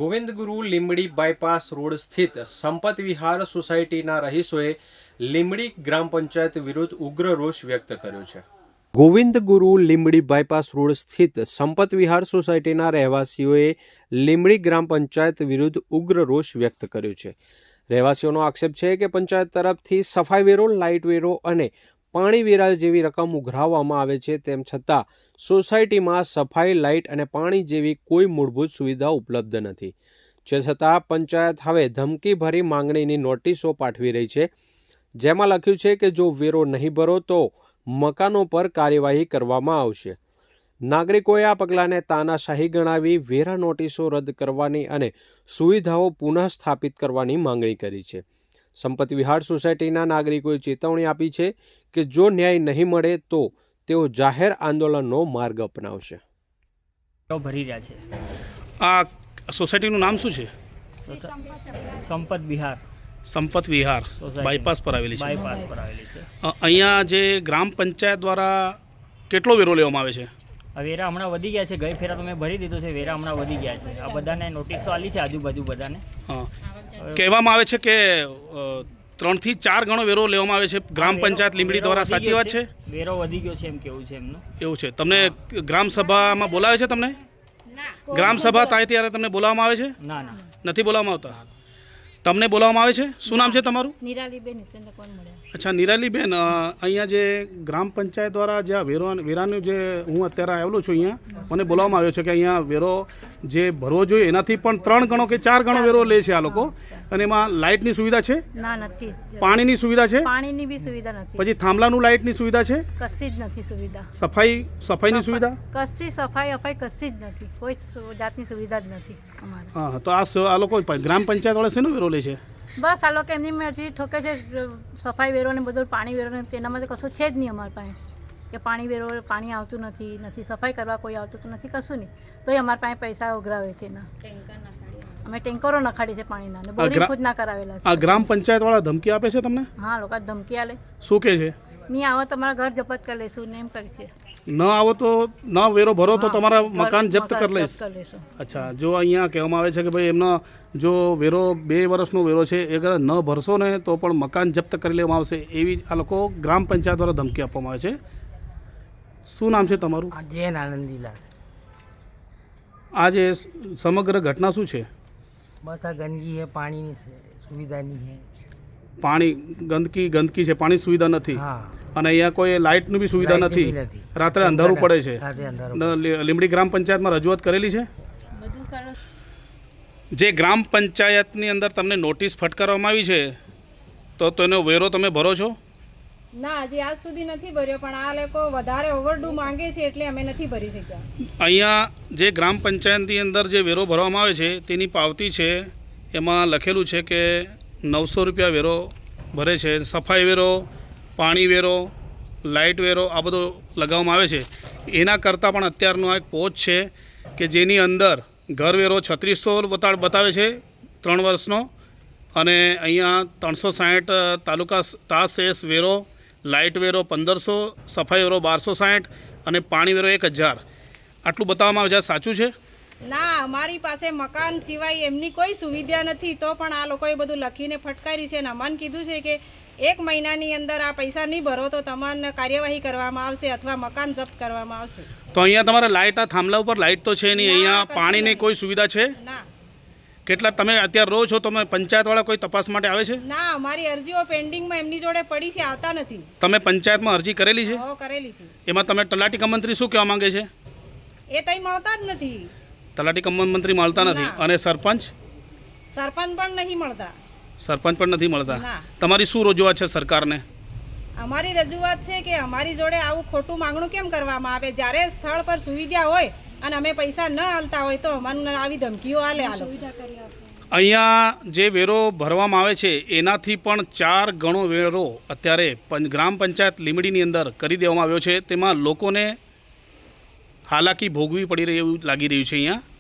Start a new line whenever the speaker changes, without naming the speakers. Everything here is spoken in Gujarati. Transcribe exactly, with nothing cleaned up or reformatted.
ગોવિંદગુરુ લીંબડી બાયપાસ રોડ સ્થિત સંપત વિહાર સોસાયટીના રહીશોએ લીંબડી ગ્રામ પંચાયત વિરુદ્ધ ઉગ્ર રોષ વ્યક્ત કર્યો છે। ગોવિંદગુરુ લીંબડી બાયપાસ રોડ સ્થિત સંપત વિહાર સોસાયટીના રહેવાસીઓએ લીંબડી ગ્રામ પંચાયત વિરુદ્ધ ઉગ્ર રોષ વ્યક્ત કર્યો છે। રહેવાસીઓનો આક્ષેપ છે કે પંચાયત તરફથી સફાઈ વેરો, લાઇટ વેરો અને પાણી વેરા જેવી રકમ ઉઘરાવવામાં આવે છે, તેમ છતાં સોસાયટીમાં સફાઈ, લાઇટ અને પાણી જેવી કોઈ મૂળભૂત સુવિધા ઉપલબ્ધ નથી। જે છતાં પંચાયત હવે ધમકીભરી માંગણીની નોટિસો પાઠવી રહી છે, જેમાં લખ્યું છે કે જો વેરો નહીં ભરો તો મકાનો પર કાર્યવાહી કરવામાં આવશે। નાગરિકોએ આ પગલાંને તાનાશાહી ગણાવી વેરા નોટિસો રદ કરવાની અને સુવિધાઓ પુનઃ સ્થાપિત કરવાની માંગણી કરી છે। સંપત વિહાર સોસાયટીના નાગરિકોએ ચેતવણી આપી છે કે જો ન્યાય નહીં મળે તો તેઓ જાહેર આંદોલનનો માર્ગ અપનાવશે।
ભરી રહ્યા છે।
આ સોસાયટીનું નામ શું છે?
સંપત વિહાર
સંપત વિહાર બાયપાસ પર આવેલી છે।
બાયપાસ પર આવેલી છે।
અહીંયા જે ગ્રામ પંચાયત દ્વારા કેટલો વેરો લેવામાં આવે છે?
આ વેરા હમણાં વધી ગયા છે। ગઈ ફેરા તો મેં ભરી દીધો છે, વેરા હમણાં વધી ગયા છે। આ બધાને નોટિસો આલી છે, આજુબાજુ બધાને।
હા, કહેવામાં આવે છે કે ત્રણથી ચાર ગણો વેરો લેવામાં આવે છે ગ્રામ પંચાયત લીંબડી દ્વારા, સાચી વાત છે?
વેરો વધી ગયો છે એમ કેવું છે એમનું।
એવું છે? તમને ગ્રામ સભામાં બોલાવે છે? તમને ગ્રામ સભા થાય ત્યારે તમને બોલાવવામાં આવે છે?
ના ના,
નથી બોલાવવામાં આવતા। તમને બોલાવવામાં આવે છે? શું નામ છે તમારું?
નિરાલીબેન હિતેન્દ્ર કોણ મળ્યા?
અચ્છા, નિરાલીબેન, અહીંયા જે ગ્રામ પંચાયત દ્વારા જે આ વેરો વેરાનું જે હું અત્યારે આવેલો છું, અહીંયા મને બોલાવવામાં આવ્યો છે કે અહીંયા વેરો જે ભરવો જોઈએ એનાથી પણ ત્રણ ગણો કે ચાર ગણો વેરો લે છે આ લોકો, અને એમાં લાઇટની સુવિધા છે?
ના, નથી।
પાણીની સુવિધા છે?
પાણીની બી સુવિધા નથી।
પછી થાંભલાનું લાઇટની સુવિધા છે?
કશી જ નથી સુવિધા।
સફાઈ સફાઈની સુવિધા?
કશી સફાઈ અફાઈ કશી જ નથી, કોઈ સુ- જાતની સુવિધા જ નથી અમારે।
હા, તો આ સ- આ લોકો ગ્રામ પંચાયત વાળા શેનો વેરો લે છે?
બસ આ લોકો એમની મરજી ઠોકે છે, સફાઈ વેરો ને બધું, પાણી વેરો ને તેનામાં તો કશું છે જ નહીં અમારી પાસે કે પાણી વેરો, પાણી આવતું નથી, નથી સફાઈ કરવા કોઈ આવતું તો નથી, કશું નહીં, તોય અમારી પાસે પૈસા ઉઘરાવે છે એના। અમે ટેન્કરો નખાડી છે પાણીના, ને બોરિંગ ખુદ ના કરાવેલા છે।
આ ગ્રામ પંચાયત વાળા ધમકી આપે છે તમને?
હા, લોકો ધમકી આલે,
શું કહે છે?
નહીં આવો તમારા ઘર જપ્ત કરી લઈશું ને એમ કરે છે।
ન આવો તો ન વેરો ભરો તો
હા,
તમારા
ઘર-
મકાન જપ્ત કરી લઈશ।
કરી લઈશું।
અચ્છા, જો અહીંયા કહેવામાં આવે છે કે ભાઈ એમનો જો વેરો બે વર્ષનો વેરો છે એ કદાચ ન ભરશો ને તો પણ મકાન જપ્ત કરી લેવામાં આવશે, એવી આ લોકો ગ્રામ પંચાયત દ્વારા ધમકી આપવામાં આવે છે। શું નામ છે તમારું?
जैन आनंदीलाल।
આ જે સમગ્ર ઘટના શું છે?
बस आ गंदगी है, पानी ની सुविधा नहीं है।
પાણી ગંદકી ગંદકી છે, પાણી સુવિધા નથી,
हाँ,
અને અહીંયા કોઈ લાઇટની બી સુવિધા
લાઇટની
નથી,
બી નથી।
રાત્રે અંધારું પડે છે।
રાતે અંધારું
ન- લી- લીંબડી ગ્રામ પંચાયતમાં રજૂઆત કરેલી છે?
બધું કરો।
જે ગ્રામ પંચાયતની અંદર તમને નોટિસ ફટકારવામાં આવી છે તો તેનો વેરો તમે ભરો છો?
ના, હજી આજ સુધી નથી ભર્યો, પણ આ લોકો વધારે ઓવરડ્યુ માંગે છે એટલે અમે નથી ભરી શક્યા।
અહીંયા જે ગ્રામ પંચાયતની અંદર જે વેરો ભરવામાં આવે છે તેની પાવતી છે, એમાં લખેલું છે કે નવસો રૂપિયા વેરો ભરે છે। સફાઈ વેરો, પાણી વેરો, લાઇટ વેરો આ બધો લગાવવામાં આવે છે। એના કરતાં પણ અત્યારનો આ એક પોચ છે કે જેની અંદર ઘર વેરો છત્રીસો બતા બતાવે છે ત્રણ વર્ષનો, અને અહીંયા ત્રણસો સાઠ તાલુકા તાસેસ વેરો, લાઇટ વેરો પંદરસો, સફાઈ વેરો બારસો સાઠ અને પાણી વેરો એક હજાર આટલું બતાવવામાં આવે છે। સાચું છે?
ના, અમારી પાસે મકાન સિવાય એમની કોઈ સુવિધા નથી, તો પણ આ લોકોએ બધું લખીને ફટકાર્યું છે, અને અમને કીધું છે કે એક મહિનાની અંદર આ પૈસા નહીં ભરો તો તમને કાર્યવાહી કરવામાં આવશે અથવા મકાન જપ્ત કરવામાં આવશે।
તો અહીંયા તમારે લાઇટ, આ થાંભલા ઉપર લાઇટ તો છે નહીં,
ના,
અહીંયા
કશું
પાણીની
નહીં।
કોઈ સુવિધા છે?
ના
કેટલા તમે અત્યારે રહો છો, તમે પંચાયતવાળા કોઈ તપાસ માટે આવે છે?
ના, અમારી અરજીઓ પેન્ડિંગમાં એમની જોડે પડી છે, આવતા નથી।
તમે પંચાયતમાં અરજી કરેલી છે?
હો, કરેલી છે।
એમાં તમે તલાટી કમ મંત્રી શું કહેવા માંગે છે?
એ તઈ મળતા જ નથી,
તલાટી કમ મંત્રી મળતા નથી,
ના।
અને સરપંચ
સરપંચ પણ નહીં મળતા।
સરપંચ પણ નથી મળતા।
ના।
તમારી શું રજૂઆત છે સરકારને?
અમારી રજૂઆત છે કે અમારી જોડે આવું ખોટું માંગણું કેમ કરવામાં આવે? જ્યારે સ્થળ પર સુવિધા હોય અને અમે પૈસા ન આલતા હોય તો અમને આવી ધમકીઓ આલે આ લોકો।
અહીંયા જે વેરો ભરવામાં આવે છે એનાથી પણ ચાર ગણો વેરો અત્યારે પં- ગ્રામ પંચાયત લીંબડીની અંદર કરી દેવામાં આવ્યો છે, તેમાં લોકોને હાલાકી ભોગવી પડી રહી એવું લાગી રહ્યું છે અહીંયા।